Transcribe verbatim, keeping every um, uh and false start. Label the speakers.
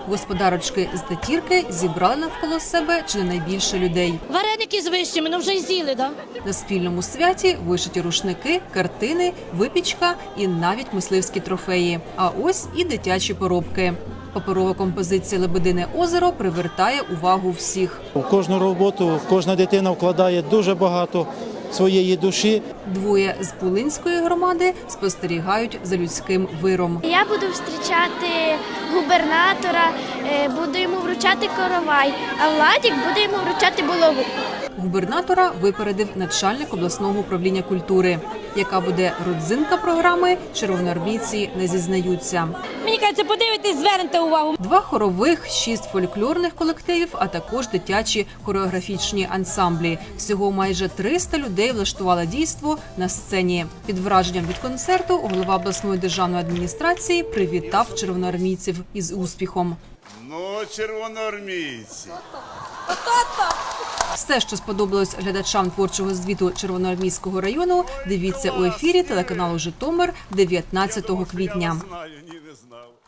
Speaker 1: Господарочки з Тетірки зібрали навколо себе чи не найбільше людей.
Speaker 2: Вареники з вишнями, ну вже й з'їли, так?
Speaker 1: На спільному святі вишиті рушники, картини, випічка і навіть мисливські трофеї. А ось і дитячі поробки. Паперова композиція «Лебедине озеро» привертає увагу всіх.
Speaker 3: У кожну роботу кожна дитина вкладає дуже багато своєї душі.
Speaker 1: Двоє з Пулинської громади спостерігають за людським виром.
Speaker 4: Я буду зустрічати губернатора, буду йому вручати коровай, а Владик буде йому вручати булаву.
Speaker 1: Губернатора випередив начальник обласного управління культури. Яка буде родзинка програми, червоноармійці не зізнаються.
Speaker 2: Мені кажеться, подивитись, звернете увагу.
Speaker 1: Два хорових, шість фольклорних колективів, а також дитячі хореографічні ансамблі. Всього майже триста людей влаштували дійство на сцені. Під враженням від концерту голова обласної державної адміністрації привітав червоноармійців із успіхом.
Speaker 5: Ну, червоноармійці.
Speaker 1: Все, що сподобалось глядачам творчого звіту Червоноармійського району, дивіться у ефірі телеканалу «Житомир» дев'ятнадцятого квітня.
Speaker 5: Знаю, ні, не знав.